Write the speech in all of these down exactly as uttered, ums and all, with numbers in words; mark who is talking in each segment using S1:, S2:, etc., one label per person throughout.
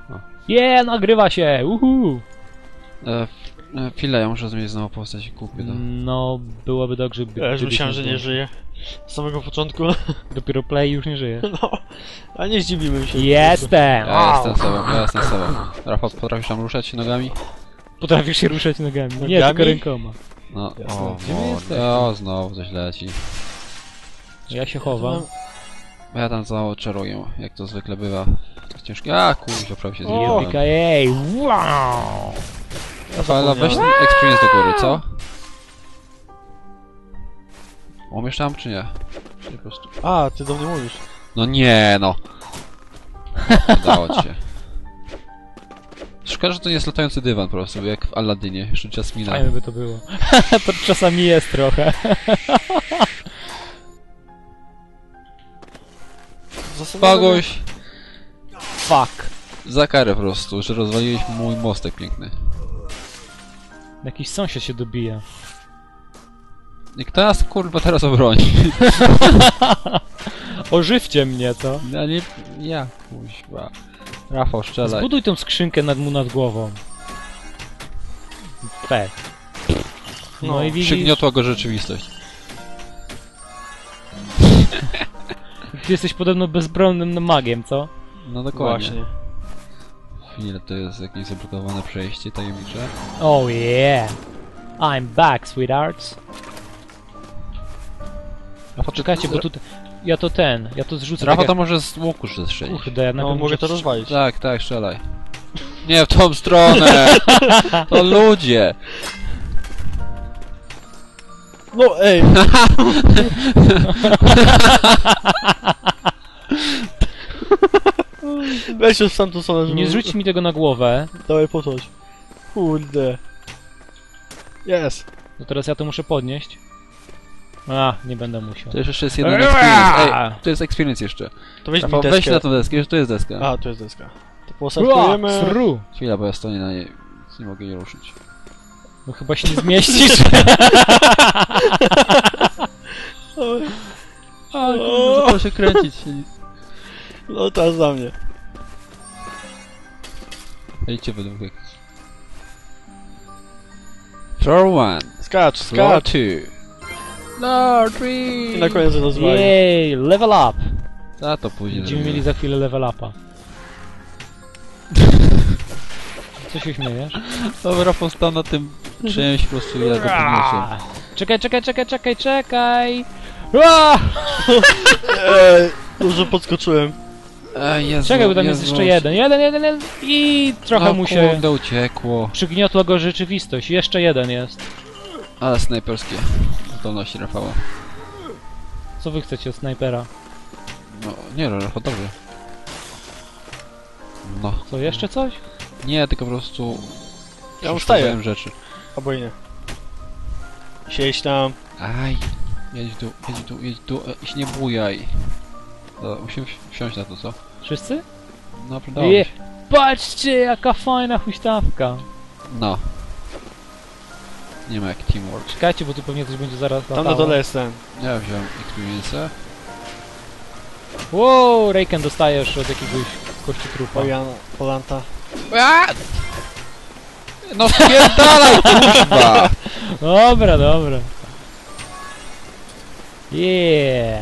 S1: O.
S2: Je, nagrywa się! Uhu!
S1: E, e, chwilę, ja muszę zmienić znowu postać i kupię to.
S2: No, byłoby dobrze, by...
S3: Ja już
S2: gdybyś
S3: myślałem,
S2: nie
S3: że nie
S2: było.
S3: żyje. Z samego początku.
S2: Dopiero play już nie żyje.
S3: No, a nie zdziwimy się.
S2: Jestem!
S1: Ja jestem sobą, ja jestem sobą. Rafał, potrafisz tam ruszać nogami?
S2: Potrafisz się ruszać nogami. Nie,
S3: Nogami?
S2: tylko rękoma.
S1: No,
S3: Jasne.
S1: o,
S2: Gdzie wy jesteście?
S1: o, znowu coś leci.
S2: Ja się chowam.
S1: Ja tam znowu czaruję, jak to zwykle bywa. To ciężkie. A, kurczę, prawie się
S3: O!
S1: zgubiłem.
S2: Jopika, jej! Wow!
S1: Rafał, weź ten experience do góry, co? Umiesz tam, czy nie? Czy po prostu...
S3: A, ty do mnie mówisz.
S1: No nie, no! Udało ci się. Szkoda, że to nie jest latający dywan po prostu, jak w Aladynie, jeszcze Jasmina.
S2: Fajne by to było. To czasami jest trochę.
S1: Pagoś!
S2: Fuck.
S1: Za karę po prostu, że rozwaliłeś mój mostek piękny.
S2: Jakiś sąsiad się dobija.
S1: I kto nas kurwa teraz obroni?
S2: Ożywcie mnie, co?
S1: Ja nie... ja kuźwa. Rafał, strzelaj.
S2: Zbuduj tą skrzynkę nad mu nad głową. Pech. No,
S3: No,
S2: i widzisz,
S1: Przygniotła go rzeczywistość.
S2: ty jesteś podobno bezbronnym magiem, co?
S1: No dokładnie.
S3: Właśnie.
S1: Chwilę, to jest jakieś zablokowane przejście tajemnicze.
S2: Oh yeah. I'm back, sweethearts. A poczekajcie, bo tu... Ja to ten, ja to zrzucę
S1: Rafał
S2: tak
S1: to może z łuku strzelić.
S2: jak... Kurde, ja
S3: No,
S2: najpierw
S3: mogę
S2: muszę
S3: to rozwalić.
S1: Tak, tak, strzelaj. Nie w tą stronę! To ludzie!
S3: No, ej! Weź już w tamtą stronę, żeby...
S2: Nie zrzuć mi tego na głowę.
S3: Dawaj, podchodź. Kurde. Jest.
S2: To teraz ja to muszę podnieść. A, nie będę musiał.
S1: To jeszcze jest jeden experience. Ej, to jest experience jeszcze.
S3: To weź
S1: Rafał,
S3: mi
S1: weź
S3: deskę.
S1: na tą deskę, to jest deska.
S3: A, to jest deska. To
S2: Ua,
S3: posadzujemy.
S2: sru.
S1: Chwila, bo ja stoję na niej, więc nie mogę jej ruszyć.
S2: No chyba się nie zmieścisz.
S1: A, zaczęło się kręcić.
S3: No, teraz za mnie.
S1: Idźcie we dwóch. Floor one.
S3: Skacz,
S1: Floor
S3: skacz.
S1: two. Floor three.
S3: I na koniec rozwali.
S2: Jej, level up.
S1: A to później
S2: Będziemy
S1: zrobimy.
S2: mieli za chwilę level upa. Co się śmiejesz?
S1: Dobra, Rafał stał na tym czymś po prostu, ja go podniosłem.
S2: Czekaj, czekaj, czekaj, czekaj, czekaj! Ua!
S3: Ej, dużo podskoczyłem.
S1: Ej, Jezu,
S2: Czekaj, bo tam
S1: Jezu.
S2: jest jeszcze jeden. Jeden, jeden, jeden. I trochę
S1: no,
S2: mu się
S1: kurde, uciekło.
S2: przygniotła go rzeczywistość. Jeszcze jeden jest.
S1: Ale snajperskie zdolności Rafała.
S2: Co wy chcecie od snajpera?
S1: No, nie no, Rafał, dobrze. No.
S2: Co, jeszcze coś?
S1: Nie, tylko po prostu...
S3: Ja
S1: przeszkadzałem
S3: ustaję.
S1: rzeczy.
S3: Albo i nie. Siedź tam.
S1: Aj. Jedź tu, jedź tu, jedź tu, e, i się nie bujaj. Dobra, musimy wsi- wsiąść na to, co?
S2: Wszyscy?
S1: No, przydało
S2: Je.
S1: mi się.
S2: Patrzcie, jaka fajna huśtawka.
S1: No. Nie ma jak teamwork.
S2: Czekajcie, bo tu pewnie coś będzie zaraz
S3: Tam na
S2: latało.
S3: dole jest ten.
S1: Ja wziąłem experience.
S2: Wow, Raken dostajesz od jakiegoś kości trupa.
S3: Pojana, Polanta.
S1: No spierdalaj, kurwa!
S2: Dobra, dobra. Yeah.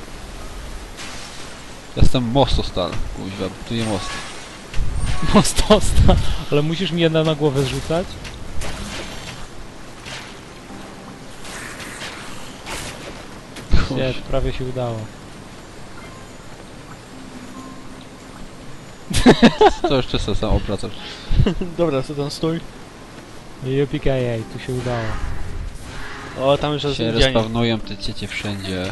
S1: Jestem mostostal, kuźwa, tu nie most.
S2: Mostosta. Ale musisz mi jedna na głowę zrzucać? Nie, prawie się udało.
S1: To jeszcze sobie sam obracasz.
S3: Dobra, co tam stój.
S2: Jupika jej, tu się udało.
S3: O, tam już jest
S1: Się
S3: Indianie.
S1: respawnują te ciecie wszędzie.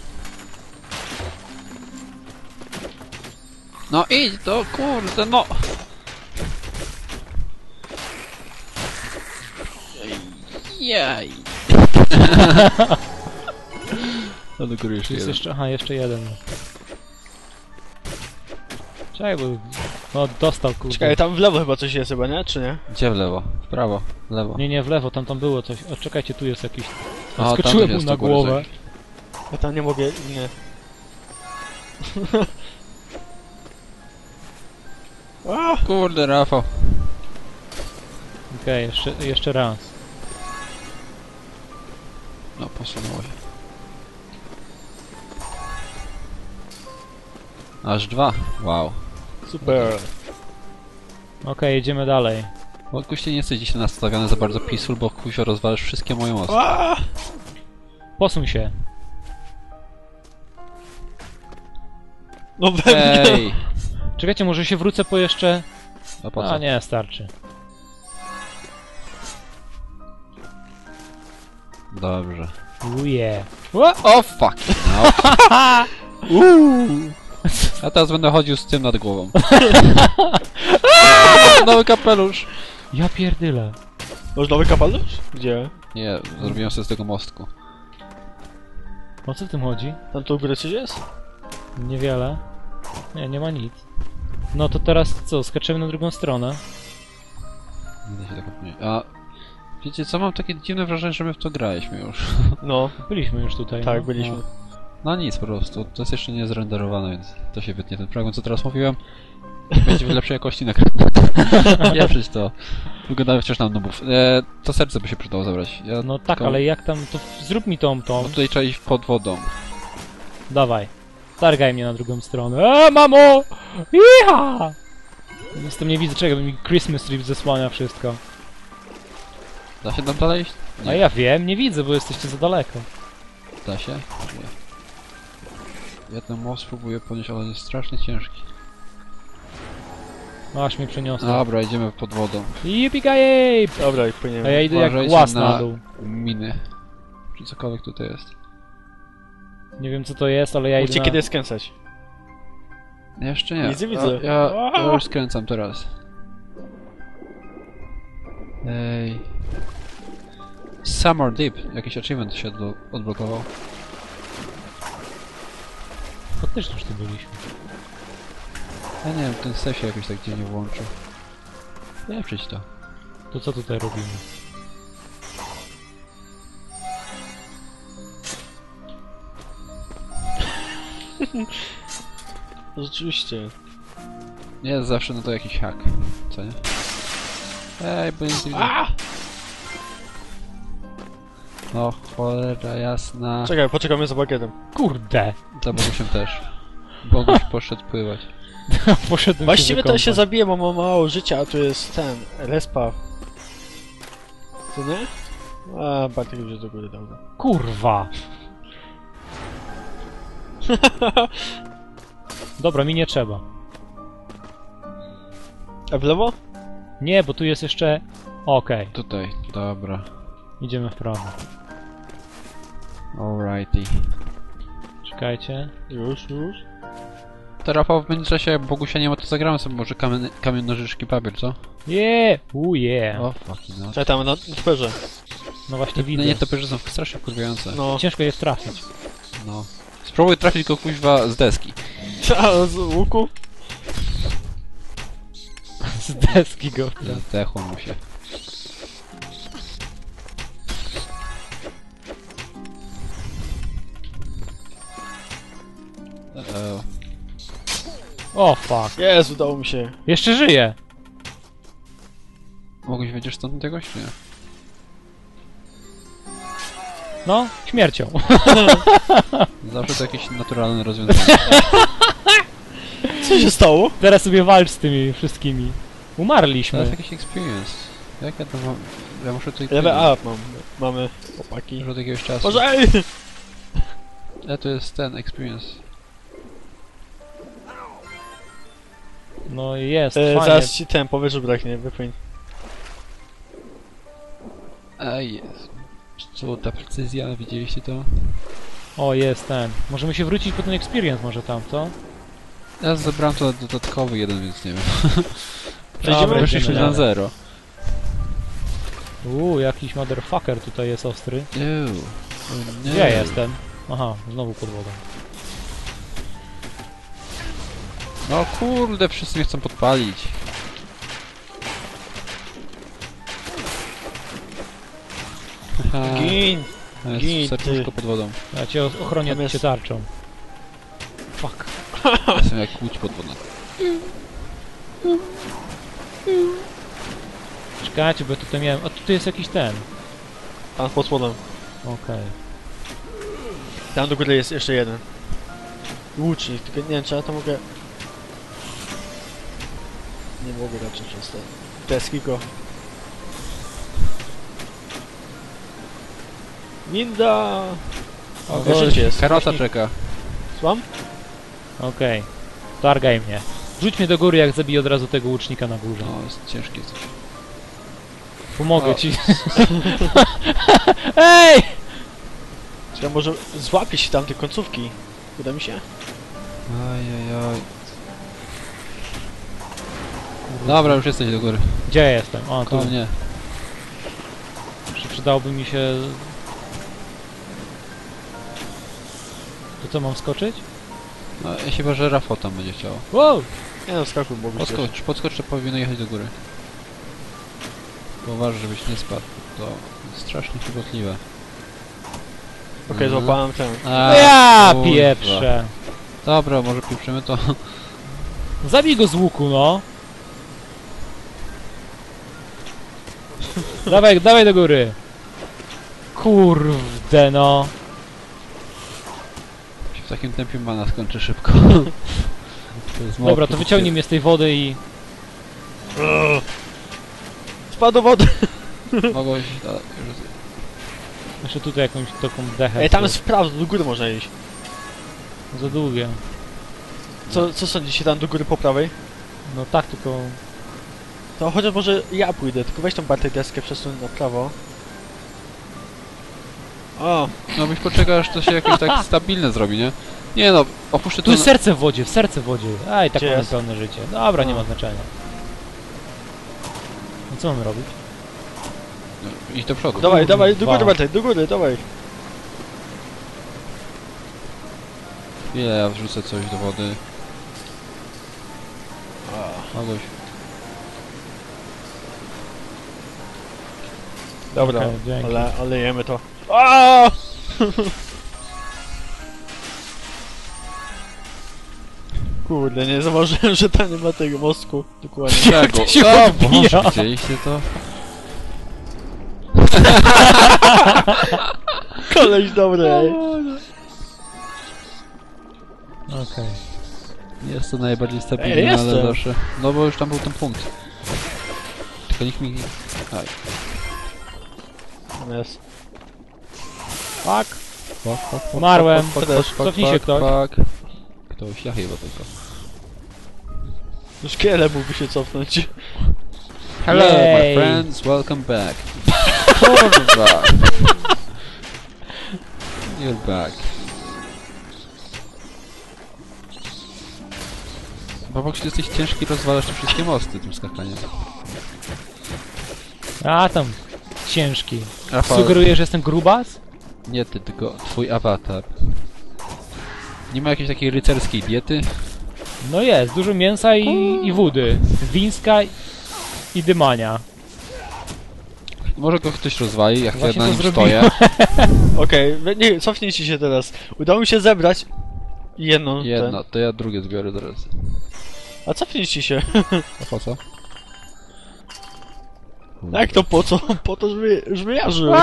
S1: No idź to, kurde, no! Jaj! No do góry jeszcze
S2: Jest
S1: jeden.
S2: jeszcze, aha, jeszcze jeden. Czekaj, bo... No, dostał, kurde.
S3: Czekaj, tam w lewo chyba coś jest chyba, nie? Czy nie?
S1: Gdzie w lewo? W prawo, w lewo.
S2: Nie, nie, w lewo, tam tam było coś. O, czekajcie, tu jest jakiś...
S1: A, tam
S2: Skoczyłem mu
S1: jest
S2: na
S1: do góry
S2: głowę.
S1: coś.
S3: Ja tam nie mogę, nie. A!
S1: Kurde, Rafał.
S2: Okej, jeszcze, jeszcze raz.
S1: No, posunęło się. Aż dwa. Wow.
S3: Super.
S2: Okej, jedziemy dalej.
S1: Bo Kuście nie jesteś dzisiaj nastawiony za bardzo peaceful, bo kuźwa rozwalasz wszystkie moje mosty.
S3: A!
S2: Posuń się.
S3: No we mnie.
S1: Ej!
S2: Czekajcie, może się wrócę po jeszcze...
S1: A po
S2: A
S1: co?
S2: nie, starczy.
S1: Dobrze.
S2: Uje.
S1: O fuck! No. Uuu. Ja teraz będę chodził z tym nad głową. Nowy kapelusz!
S2: Ja pierdyle.
S3: Masz nowy kapelusz? Gdzie?
S1: Nie, zrobiłem sobie z tego mostku.
S2: O co w tym chodzi?
S3: Tam tu u góry coś jest?
S2: Niewiele. Nie, nie ma nic. No to teraz co, skaczemy na drugą stronę.
S1: Nie da się tego pomylić. A wiecie co, mam takie dziwne wrażenie, że my w to graliśmy już.
S3: No,
S2: Byliśmy już tutaj.
S3: tak,
S2: no.
S3: byliśmy.
S1: No nic po prostu, to jest jeszcze nie zrenderowane, więc to się wytnie. Ten fragment, co teraz mówiłem, będzie w lepszej jakości nagrany. Pieprzyć to. Wyglądamy wciąż na nubów. E, to serce by się przydało zabrać. Ja
S2: No tak,
S1: tylko-
S2: ale jak tam, to zrób mi tą, tą.
S1: Bo tutaj trzeba iść pod wodą.
S2: Dawaj. Targaj mnie na drugą stronę. Eee, mamo! Iha! Jestem nie widzę czego, mi Christmas Tree zasłania wszystko.
S1: Da się tam dalej iść?
S2: A ja wiem, nie widzę, bo jesteście za daleko.
S1: Da się? Nie. Ja ten most spróbuję podnieść, ale on jest strasznie ciężki.
S2: No, aż mnie przeniosło.
S1: Dobra, idziemy pod wodą.
S2: Yippee
S3: Dobra, i
S2: A
S3: płyniemy.
S2: ja idę jak
S1: Uważajcie
S2: głaz
S1: na-
S2: na dół.
S1: Miny. Czy cokolwiek tutaj jest.
S2: Nie wiem co to jest, ale ja
S3: Mówcie
S2: idę na...
S3: kiedy skręcać.
S1: Jeszcze nie.
S3: Widzę, widzę.
S1: Ja, ja, ja już skręcam teraz. Ej. Summer Deep. Jakiś achievement się odblo odblokował.
S2: Faktycznie już tu byliśmy.
S1: Ja nie wiem, ten save się jakoś tak dziwnie włączył. Nie, przyjdź to.
S2: To co tutaj robimy?
S3: Rzeczywiście.
S1: Nie, zawsze no to jakiś hack. Co nie? Ej, bo nic nie widzę.
S3: A!
S1: No, cholera jasna.
S3: Czekaj, poczekamy za bagietem.
S2: Kurde!
S1: Za Bogusiem też. Boguś poszedł pływać.
S2: Poszedłem
S3: Właściwie
S2: się
S3: to się
S2: wykąpać.
S3: zabije, bo mam mało życia, a tu jest ten, respa. Co nie? A, Bartek już jest do góry, dobra.
S2: Kurwa! Dobra, mi nie trzeba.
S3: A w lewo?
S2: Nie, bo tu jest jeszcze... Okej,
S1: Tutaj, dobra.
S2: idziemy w prawo.
S1: Alrighty.
S2: Czekajcie.
S3: Już, już.
S1: To Rafał, w międzyczasie jak Bogusia nie ma, to zagramy sobie może kamień, kamień nożyczki papier, co?
S2: Yeah! Uuu, yeah!
S1: O, fucking no.
S3: Czekaj, tam na twerze.
S2: No właśnie
S1: No
S2: widzę.
S1: nie, to są strasznie kurwiające.
S3: No.
S2: Ciężko jest trafić.
S1: No. Spróbuj trafić go kuźwa z deski.
S3: A, z łuku?
S2: Z deski go.
S1: Zdechło mu się. E,
S2: O fuck.
S3: Jest, udało mi się.
S2: Jeszcze żyje!
S1: Mogłeś wiedzieć stąd czegoś, czy nie?
S2: No, śmiercią.
S1: Zawsze to jakieś naturalne rozwiązanie.
S3: Co się stało?
S2: Teraz sobie walcz z tymi wszystkimi.
S1: To
S2: Umarliśmy.
S1: jest jakiś experience. Jak ja to mam... Ja muszę tutaj...
S3: Level up mam. Mamy chłopaki.
S1: Już od jakiegoś czasu.
S3: Może ej!
S1: E, to jest ten experience.
S2: No jest,
S3: E,
S2: fajnie.
S3: zaraz ci ten powietrzu braknie, wypłyń.
S1: Ej, jest. Co, ta precyzja, widzieliście to?
S2: O, jest ten. Możemy się wrócić po ten experience może tam, co?
S1: Ja zebrałem to dodatkowy jeden, więc nie wiem.
S3: Przejdziemy?
S2: Dobra,
S1: Wyszliśmy
S2: idziemy
S1: na
S2: dalej.
S1: zero.
S2: Uuu, jakiś motherfucker tutaj jest ostry.
S1: Ew. O nie.
S2: Gdzie ja jestem? Aha, znowu pod wodą.
S1: No kurde, wszyscy mnie chcą podpalić. Haha,
S3: Gin!
S1: to jest
S3: gin,
S1: serduszko
S3: ty.
S1: pod wodą.
S2: Ja cię ochronię
S3: Tam jest-
S2: cię tarczą. Fuck.
S1: Jestem jak łódź pod wodą.
S2: Czekajcie, bo ja tutaj miałem... A tutaj jest jakiś ten.
S3: Tam pod spodem.
S2: Okej.
S3: Tam do góry jest jeszcze jeden. Łucznik, tylko nie wiem, czy ja to mogę... Nie mogę raczej przez te deski go. Winda! O,
S2: gość,
S3: życie jest.
S1: Karota
S2: Właśnie-
S1: czeka.
S3: Słucham?
S2: Okej. Targaj mnie. Rzuć mnie do góry, jak zabiję od razu tego łucznika na górze.
S1: No, jest ciężkie coś.
S2: Pomogę
S1: O.
S2: ci. Ej!
S3: Czy ja może złapię się tam te końcówki? Uda mi się?
S1: Ajajaj. Dobra, już jesteś do góry.
S2: Gdzie ja jestem? O, tu.
S1: Koło mnie.
S2: Jeszcze przydałoby mi się... To co, mam skoczyć?
S1: No, chyba, że Rafał tam będzie chciał.
S2: Wow!
S3: Nie no, skakuj, bo być
S1: Podskocz, podskocz, to powinno jechać do góry. Tylko uważaj, żebyś nie spadł. To strasznie chybotliwe.
S3: Okej,
S1: Mhm.
S3: złapałem ten.
S1: A,
S2: No ja
S1: kurwa.
S2: pieprzę.
S1: Dobra, może pieprzymy to.
S2: Zabij go z łuku, no. Dawaj, dawaj do góry. Kurde, no.
S1: Się w takim tempie mana skończy szybko. To jest mało
S2: Dobra, to wyciągnij mnie z tej wody i...
S3: Spadł do wody!
S1: Mogłeś... a, już-
S2: Jeszcze tutaj jakąś taką dechę.
S3: Ej, tam jest w prawo, do góry można iść.
S2: Za długie.
S3: Co, co sądzicie tam do góry po prawej?
S2: No tak, tylko...
S3: To chociaż może ja pójdę, tylko weź tą Bartek deskę, przesuń na prawo. O,
S1: No byś poczekał, aż to się jakoś tak stabilne zrobi, nie? Nie no, opuszczę to
S2: Tu jest
S1: na...
S2: serce w wodzie, w serce w wodzie. Aj, tak
S3: Gdzie
S2: mamy
S3: jest?
S2: pełne życie. Dobra, nie
S3: A.
S2: ma znaczenia. No co mamy robić?
S1: No, idź do przodu.
S3: dawaj, dawaj, do
S2: Kurwa.
S3: góry Bartek, do góry, dawaj.
S1: Ile ja wrzucę coś do wody. Mogłeś...
S3: Dobra,
S2: Okej, dzięki.
S3: ale, ale jemy to. Aaaa! Kurde, nie zauważyłem, że tam nie ma tego mostku. Dokładnie.
S1: Czego?
S2: to się
S1: O,
S2: odbija?
S1: Boże, widzieliście to?
S3: Koleś dobry, ej.
S2: Okej.
S1: Jest to najbardziej
S3: Ej,
S1: stabilne, ale
S3: jestem.
S1: zawsze... No bo już tam był ten punkt. Tylko nikt mi... Aj.
S3: Jest.
S2: Fuck.
S1: Fuck, fuck, fuck,
S2: Umarłem.
S1: fuck, fuck,
S3: Też.
S1: fuck, fuck,
S2: Cofnij się
S1: fuck,
S2: ktoś.
S1: fuck. Ktoś, ja chyba tylko.
S3: Już kiele mógłby się cofnąć.
S1: Hello,
S2: Yay.
S1: my friends, welcome back. Kurwa. You're back. Babok, ty jesteś ciężki, rozwalasz te wszystkie mosty tym skakaniem.
S2: A tam. Ciężki.
S1: Rafał,
S2: Sugerujesz, że jestem grubas?
S1: nie ty, tylko twój awatar. Nie ma jakiejś takiej rycerskiej diety?
S2: No jest, dużo mięsa i, i wody. Wińska i- i dymania.
S1: Może go ktoś rozwali, jak ja
S2: Właśnie
S1: na
S2: to
S1: nim
S2: zrobiłem.
S1: stoję.
S3: Okej, okay, nie, cofnijcie się teraz. Udało mi się zebrać jedną.
S1: Jedno, to ja drugie zbiorę teraz.
S3: Ten. A cofnijcie się.
S1: A po co?
S3: Jak to po co? Po to, żeby, żeby ja żył.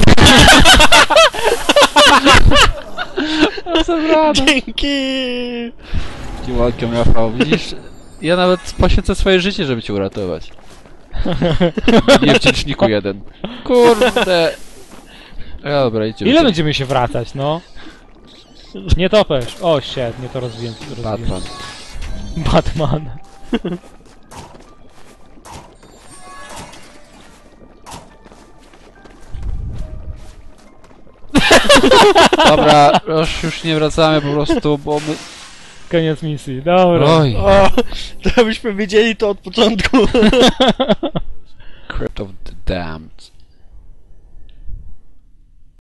S3: Dzięki!
S1: Ty welcome, Rafał. Widzisz, ja nawet poświęcę swoje życie, żeby cię uratować. Niewdzięczniku jeden. Kurde. A, dobra, idźcie.
S2: Ile będziemy się wracać, no? Nie topesz. O, shit, nie to rozwiję.
S1: Batman.
S2: Batman.
S1: Dobra, już, już nie wracamy po prostu, bo my...
S2: Koniec misji, dobra.
S1: Oj.
S3: O, to byśmy wiedzieli to od początku.
S1: Crypt of the Damned.